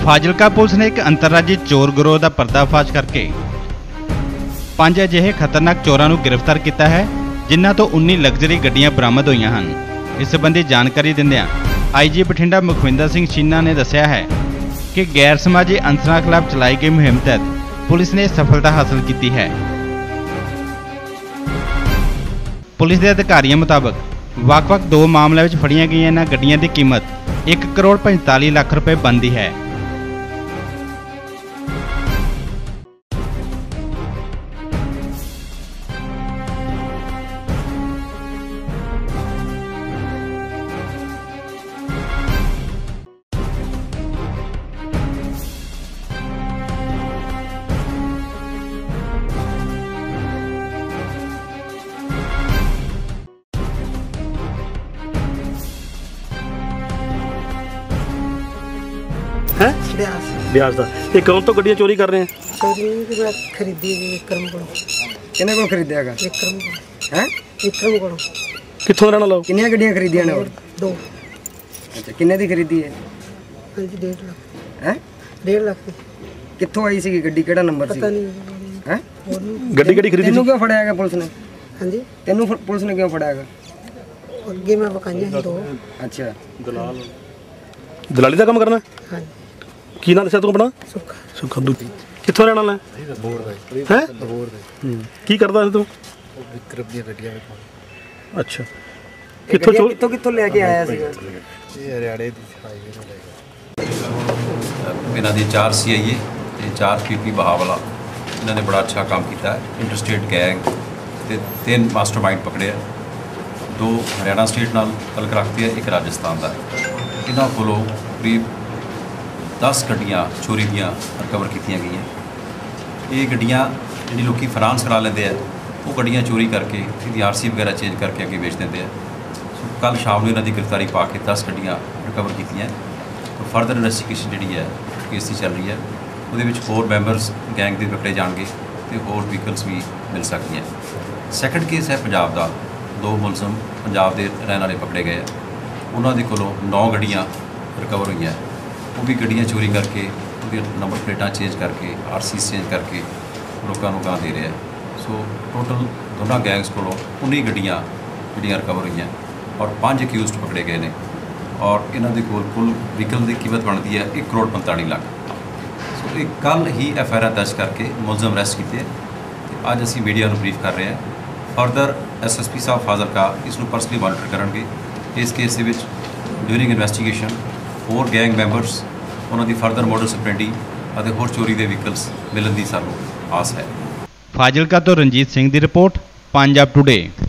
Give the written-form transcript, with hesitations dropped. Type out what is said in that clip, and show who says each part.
Speaker 1: Fazilka police ਨੇ ਇੱਕ ਅੰਤਰਰਾਜੀ ਚੋਰ ਗਿਰੋਹ ਦਾ ਪਰਦਾਫਾਸ਼ ਕਰਕੇ 5 ਅਜਿਹੇ ਖਤਰਨਾਕ ਚੋਰਾਂ ਨੂੰ ਗ੍ਰਿਫਤਾਰ ਕੀਤਾ ਹੈ, ਜਿਨ੍ਹਾਂ ਤੋਂ 19 ਲਗਜ਼ਰੀ ਗੱਡੀਆਂ ਬਰਾਮਦ ਹੋਈਆਂ ਹਨ। ਇਸ ਸੰਬੰਧੀ ਜਾਣਕਾਰੀ ਦਿੰਦਿਆਂ ਆਈਜੀ ਬਠਿੰਡਾ ਮੁਖਵਿੰਦਰ ਸਿੰਘ ਛੀਨਾ ਨੇ ਦੱਸਿਆ ਹੈ ਕਿ ਗੈਰ ਸਮਾਜੀ ਅਨਸਰਾਂ ਖਿਲਾਫ ਚਲਾਈ ਗਈ ਮੁਹਿੰਮ ਤਹਿਤ ਪੁਲਿਸ ਨੇ ਸਫਲਤਾ ਹਾਸਲ ਕੀਤੀ ਹੈ। ਪੁਲਿਸ ਦੇ ਅਧਿਕਾਰੀਆਂ ਮੁਤਾਬਕ ਵੱਖ-ਵੱਖ 2 ਮਾਮਲਿਆਂ ਵਿੱਚ ਫੜੀਆਂ ਗਈਆਂ ਇਹਨਾਂ ਗੱਡੀਆਂ ਦੀ ਕੀਮਤ 1 ਕਰੋੜ 45 ਲੱਖ ਰੁਪਏ ਬਣਦੀ ਹੈ।
Speaker 2: है ब्याज का ये कौन तो गड्डियां चोरी कर रहे हैं?
Speaker 3: चोरी खरीदी विक्रम को
Speaker 4: किन्ने को खरीदेगा?
Speaker 3: विक्रम को
Speaker 4: हैं?
Speaker 3: विक्रम को
Speaker 2: कित्थों रहना लोग?
Speaker 4: किन्नियां गड्डियां खरीदियां ने और
Speaker 3: 2
Speaker 4: अच्छा किन्ने दी खरीदी है?
Speaker 3: हाँ जी 1.5 लाख
Speaker 4: हैं?
Speaker 3: 1.5 लाख की
Speaker 4: कित्थों आई सी गड्डी केड़ा नंबर सी?
Speaker 3: पता नहीं
Speaker 4: हैं?
Speaker 2: गड्डी गड्डी खरीदी
Speaker 4: तेनू क्यों फड़ायागा पुलिस ने?
Speaker 3: हाँ जी
Speaker 4: तेनू पुलिस ने क्यों फड़ायागा?
Speaker 3: अगे मैं बकाइया ही 2
Speaker 4: अच्छा
Speaker 2: दलाली का काम करना है?
Speaker 3: हाँ
Speaker 2: की नाम दस्या तू अपना?
Speaker 3: सुखा
Speaker 2: सुखा दूती कित्थों रहना है? हैं की करदा है तू?
Speaker 4: विक्रम दी गड्डियां
Speaker 2: अच्छा कित्थों चोर
Speaker 4: कित्थों कित्थों लेके आया सी?
Speaker 5: ये हरियाणे दी हाईवे ਤੋਂ ਲੈ ਕੇ ਇਹਨਾਂ ਦੀ 4 CIA ਤੇ 4 PP ਬਹਾਵਲਾ ਇਹਨਾਂ ਨੇ ਬੜਾ ਅੱਛਾ ਕੰਮ ਕੀਤਾ ਹੈ। ਇੰਟਰਸਟੇਟ ਗੈਂਗ ਤੇ 3 ਮਾਸਟਰਮਾਈਂਡ ਪਕੜੇ ਆ। 2 ਹਰਿਆਣਾ ਸਟੇਟ ਨਾਲ ਤਲਕ ਰੱਖਦੇ ਆ, 1 ਰਾਜਸਥਾਨ ਦਾ। ਇਹਨਾਂ ਕੋਲੋਂ ਕਰੀਬ 10 ਗੱਡੀਆਂ ਚੋਰੀ ਦੀਆਂ ਰਿਕਵਰ ਕੀਤੀਆਂ ਗਈਆਂ। ਇਹ ਗੱਡੀਆਂ ਜਿਹੜੀ ਲੋਕੀ ਫਾਈਨਾਂਸ ਕਰਾ ਲੈਂਦੇ ਆ, ਉਹ ਗੱਡੀਆਂ ਚੋਰੀ ਕਰਕੇ ਇਹਦੀ RC ਵਗੈਰਾ ਚੇਂਜ ਕਰਕੇ ਅੱਗੇ ਵੇਚ ਦਿੰਦੇ ਆ। ਸੋ ਕੱਲ੍ਹ ਸ਼ਾਮ ਨੂੰ ਇਹਨਾਂ ਦੀ ਗ੍ਰਿਫਤਾਰੀ ਪਾ ਕੇ 10 ਗੱਡੀਆਂ ਰਿਕਵਰ ਕੀਤੀਆਂ। ਤਾਂ ਫਰਦਰ ਇਨਵੈਸਟੀਗੇਸ਼ਨ ਜਿਹੜੀ ਹੈ ਕੇਸ ਦੀ ਚੱਲ ਰਹੀ ਹੈ। ਉਹਦੇ ਵਿੱਚ ਹੋਰ ਮੈਂਬਰਸ ਗੈਂਗ ਦੇ ਪਕੜੇ ਜਾਣਗੇ ਤੇ ਹੋਰ ਵਹੀਕਲਸ ਵੀ ਮਿਲ ਸਕਦੀਆਂ। ਸੈਕੰਡ ਕੇਸ ਹੈ ਪੰਜਾਬ ਦਾ। 2 ਮੁਲਜ਼ਮ ਪੰਜਾਬ ਦੇ ਰਹਿਣ ਵਾਲੇ ਪਕੜੇ ਗਏ ਆ। ਉਹਨਾਂ ਦੇ ਕੋਲੋਂ 9 ਗੱਡੀਆਂ ਰਿਕਵਰ ਹੋਈਆਂ। ਉਹ ਵੀ ਗੱਡੀਆਂ ਚੋਰੀ ਕਰਕੇ ਉਹਦੀਆਂ ਨੰਬਰ ਪਲੇਟਾਂ ਚੇਂਜ ਕਰਕੇ RC ਚੇਂਜ ਕਰਕੇ ਲੋਕਾਂ ਨੂੰ ਗਾਂ ਦੇ ਰਿਹਾ। ਸੋ ਟੋਟਲ ਦੋਨਾਂ ਗੈਂਗਸ ਕੋਲੋਂ 19 ਗੱਡੀਆਂ ਜਿਹੜੀਆਂ ਰਿਕਵਰ ਹੋਈਆਂ ਔਰ 5 ਅਕਿਊਜ਼ਡ ਪਕੜੇ ਗਏ ਨੇ ਔਰ ਇਹਨਾਂ ਦੇ ਕੋਲ ਕੁੱਲ ਵਹੀਕਲ ਦੀ ਕੀਮਤ ਬਣਦੀ ਹੈ 1 ਕਰੋੜ 45 ਲੱਖ। ਸੋ ਇਹ ਕੱਲ੍ਹ ਹੀ FIR ਦਰਜ ਕਰਕੇ ਮੁਲਜ਼ਮ ਅਰੈਸਟ ਕੀਤੇ ਅਤੇ ਅੱਜ ਅਸੀਂ ਮੀਡੀਆ ਨੂੰ ਬਰੀਫ ਕਰ ਰਹੇ ਹਾਂ। ਫਰਦਰ SSP ਸਾਹਿਬ ਫਾਜ਼ਿਲਕਾ ਇਸ ਨੂੰ ਪਰਸਨਲੀ ਮੋਨੀਟਰ ਕਰਨਗੇ। ਇਸ ਕੇਸ ਦੇ ਵਿੱਚ ਡਿਊਰਿੰਗ ਇਨਵੈਸਟੀਗੇਸ਼ਨ ਹੋਰ ਗੈਂਗ ਮੈਂਬਰਸ ਉਹਨਾਂ ਦੀ ਫਰਦਰ ਮੋਡਸ ਆਪਰੈਂਡੀ ਅਤੇ ਹੋਰ ਚੋਰੀ ਦੇ ਵਹੀਕਲਸ ਮਿਲਣ ਦੀ ਸਾਨੂੰ ਆਸ ਹੈ।
Speaker 1: ਫਾਜ਼ਿਲਕਾ ਤੋਂ ਰਣਜੀਤ ਸਿੰਘ ਦੀ ਰਿਪੋਰਟ, ਪੰਜਾਬ ਟੁਡੇ।